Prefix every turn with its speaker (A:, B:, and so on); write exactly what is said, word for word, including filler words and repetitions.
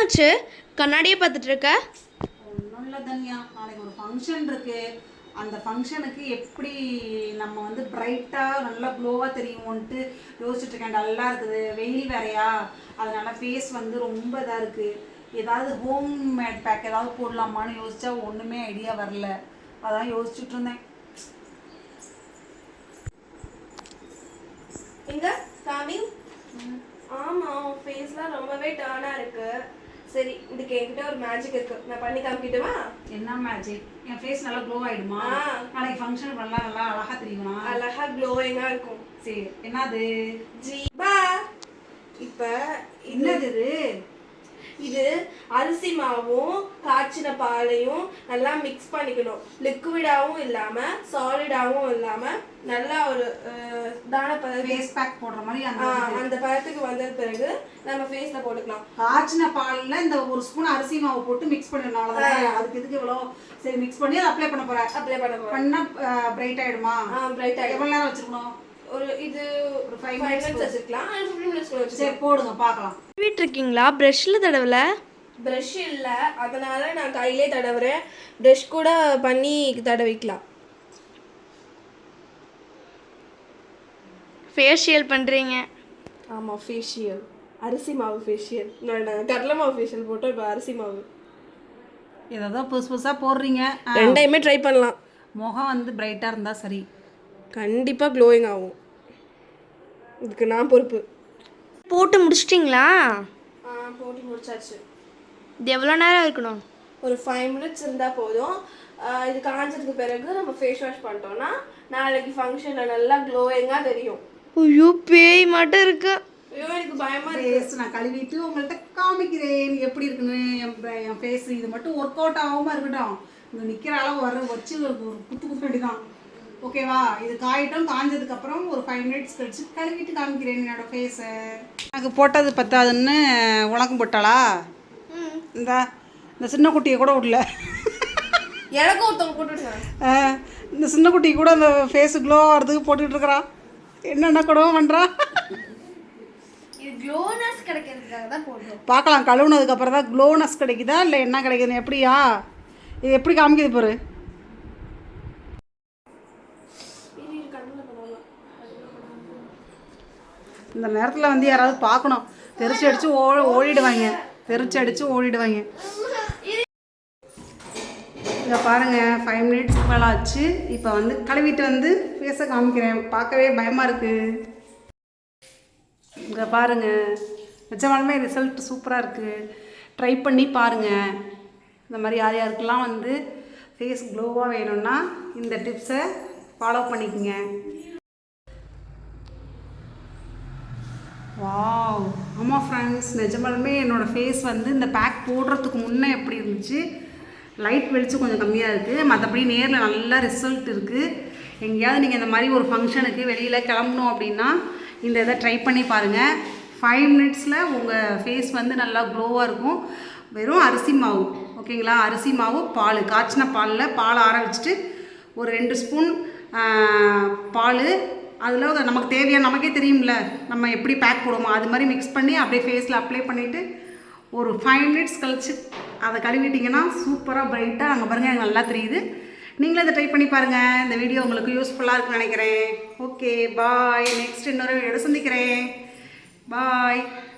A: என்னாச்சு கண்ணாடியை பார்த்துட்டு இருக்க?
B: ஒன்றும் இல்லை தன்யா, நாளைக்கு ஒரு ஃபங்க்ஷன் இருக்குது. அந்த ஃபங்க்ஷனுக்கு எப்படி நம்ம வந்து பிரைட்டாக நல்லா க்ளோவாக தெரியுமோன்ட்டு யோசிச்சுட்ருக்கேன். டல்லாக இருக்குது, வெயில் வேறையா, அதனால் ஃபேஸ் வந்து ரொம்ப இதாக இருக்குது. ஏதாவது ஹோம் மேட் பேக் ஏதாவது போடலாமான்னு யோசித்தா ஒன்றுமே ஐடியா வரல. அதான் யோசிச்சுட்டு இருந்தேன்.
A: எங்க காமி? ஆமாம், உன் ஃபேஸ்லாம் ரொம்பவே டர்னாக இருக்குது. சரி, இதுக்கு என்கிட்ட ஒரு மேஜிக் இருக்கு, நான் பண்ணி காமிக்கிட்டுமா?
B: என்ன மேஜிக்? என் ஃபேஸ் நல்லா க்ளோ ஆகிடுமா? நாளைக்கு ஃபங்க்ஷன் நல்லா நல்லா அழகாக தெரியுமா?
A: அழகா க்ளோயிங்காக இருக்கும்.
B: சரி, என்னது?
A: ஜீபா, இப்போ
B: என்னது இது?
A: இது அரிசி மாவும் காய்ச்சின பாலையும் நல்லா மிக்ஸ் பண்ணிக்கணும். லிக்விடாகவும் இல்லாமல் சாலிடாகவும் இல்லாமல் நல்லா ஒரு தான பத
B: ஃபேஸ் பேக் போடுற மாதிரி அந்த
A: அந்த பதத்துக்கு வந்த பிறகு நம்ம ஃபேஸில் போட்டுக்கலாம்.
B: காய்ச்சின பாலில் இந்த ஒரு ஸ்பூன் அரிசி மாவு போட்டு மிக்ஸ் பண்ணிடணும். அதுக்கு எதுக்கு இவ்வளோ? சரி, மிக்ஸ் பண்ணி அதை அப்ளை பண்ண போகிறேன். அப்ளை பண்ண போகிறேன். பண்ணால் பிரைட் ஆகிடுமா? ஆ, பிரைட் ஆகிடும். எவ்வளோ நேரம் வச்சுருக்கணும்? ஒரு இது ஒரு ஃபைவ் மினிட்ஸ் வச்சுக்கலாம். ஃபிஃப்டீன் மினிட்ஸ் கூட வச்சு. சரி, போடுங்க பார்க்கலாம். வீட்டு இருக்கீங்களா? ப்ரஷ்ஷில் தடவல? ப்ரஷ் இல்லை, அதனால நான் கையிலே தடவுறேன். ப்ரஷ் கூட பண்ணி தடவிக்கலாம். ஃபேஷியல் பண்ணுறீங்க? ஆமாம், ஃபேஷியல். அரிசி மாவு ஃபேஷியல். நான் கடலை மாவு ஃபேஷியல் போட்டோம், இப்போ அரிசி மாவு. ஏதோ புதுசு புதுசாக போடுறீங்க.
A: ரெண்டையுமே ட்ரை பண்ணலாம்.
B: முகம் வந்து பிரைட்டாக இருந்தால் சரி,
A: கண்டிப்பாக க்ளோயிங் ஆகும். இதுக்கு நான் பொறுப்பு. போட்டு முடிச்சிட்டிங்களா? ஆ, போட்டு முடிச்சாச்சு. இது எவ்வளோ நேரம் இருக்கணும்? ஒரு ஃபைவ் மினிட்ஸ் இருந்தால் போதும். இது காஞ்சதுக்கு பிறகு நம்ம ஃபேஸ் வாஷ் பண்ணிட்டோம்னா நாளைக்கு ஃபங்க்ஷனில் நல்லா க்ளோயிங்காக தெரியும். ஐயோ, பேய் மட்டும் இருக்கு. ஐயோ, எனக்கு பயமாக இருக்கு.
B: நான் கழுவிட்டு உங்கள்கிட்ட காமிக்கிறேன் எப்படி இருக்குன்னு. என் என் ஃபேஸ் இது மட்டும் ஒர்க் அவுட் ஆகாமல் இருக்கட்டும். இங்கே நிற்கிற அளவு வர வச்சு ஒரு குத்து குத்து வேண்டிதான். ஓகேவா? இது காயிட்டும். காஞ்சதுக்கப்புறம் ஒரு ஃபைவ் மினிட்ஸ் கழிச்சு கழுவிட்டு காமிக்கிறேன் என்னோட ஃபேஸை. எனக்கு போட்டது பத்தாதுன்னு உனக்கும் போட்டாளா? இந்த இந்த சின்ன குட்டியை கூட விடல.
A: எனக்கும் ஒருத்தவங்க போட்டுவிட்டாங்க.
B: இந்த சின்ன குட்டி கூட அந்த ஃபேஸ் க்ளோ ஆகிறதுக்கு போட்டுக்கிட்டு இருக்கிறா. என்னென்ன கூடவும் பண்ணுறா.
A: இது க்ளோனஸ் கிடைக்கிறதுக்காக தான் போடுறோம்.
B: பார்க்கலாம், கழுவுனதுக்கப்புறம் தான் க்ளோனஸ் கிடைக்குதா இல்லை என்ன கிடைக்குதுன்னு. எப்படியா இது எப்படி காமிக்குது பாரு. இந்த நேரத்தில் வந்து யாராவது பார்க்கணும். தெரிச்சு அடித்து ஓ ஓடிடுவாங்க தெரிச்சு அடித்து ஓடிடுவாங்க. இதை பாருங்கள், ஃபைவ் மினிட்ஸ்க்கு மேலே ஆச்சு. இப்போ வந்து கழுவிட்டு வந்து ஃபேஸை காமிக்கிறேன். பார்க்கவே பயமாக இருக்குது. இங்கே பாருங்கள், நிஜமாலுமே ரிசல்ட் சூப்பராக இருக்குது. ட்ரை பண்ணி பாருங்கள். இந்த மாதிரி யார் யாருக்கெல்லாம் வந்து ஃபேஸ் க்ளோவாக வேணும்னா இந்த டிப்ஸை ஃபாலோ பண்ணிக்கோங்க. வாவ், ஆமாம் ஃப்ரெண்ட்ஸ், நிஜமாலுமே என்னோடய ஃபேஸ் வந்து இந்த பேக் போடுறதுக்கு முன்னே எப்படி இருந்துச்சு. லைட் வெளிச்சம் கொஞ்சம் கம்மியாக இருக்குது, மற்றபடி நேரில் நல்லா ரிசல்ட் இருக்குது. எங்கேயாவது நீங்கள் இந்த மாதிரி ஒரு ஃபங்க்ஷனுக்கு வெளியில் கிளம்பணும் அப்படின்னா இந்த இதை ட்ரை பண்ணி பாருங்கள். ஃபைவ் மினிட்ஸில் உங்கள் ஃபேஸ் வந்து நல்லா க்ளோவாக இருக்கும். வெறும் அரிசி மாவு, ஓகேங்களா? அரிசி மாவு, பால், காய்ச்சின பாலில் பால் ஆற வச்சுட்டு ஒரு ரெண்டு ஸ்பூன் பால், அதில் நமக்கு தேவையான, நமக்கே தெரியும்ல நம்ம எப்படி பேக் போடுவோமோ அது மாதிரி மிக்ஸ் பண்ணி அப்படியே ஃபேஸில் அப்ளை பண்ணிவிட்டு ஒரு ஃபைவ் மினிட்ஸ் கழிச்சு அதை கழுவிட்டிங்கன்னா சூப்பராக பிரைட்டாக அங்கே பாருங்கள் எனக்கு நல்லா தெரியுது. நீங்களும் இதை ட்ரை பண்ணி பாருங்கள். இந்த வீடியோ உங்களுக்கு யூஸ்ஃபுல்லாக இருக்குன்னு நினைக்கிறேன். ஓகே, பாய். நெக்ஸ்ட் இன்னொரு வீடியோட சந்திக்கிறேன். பாய்.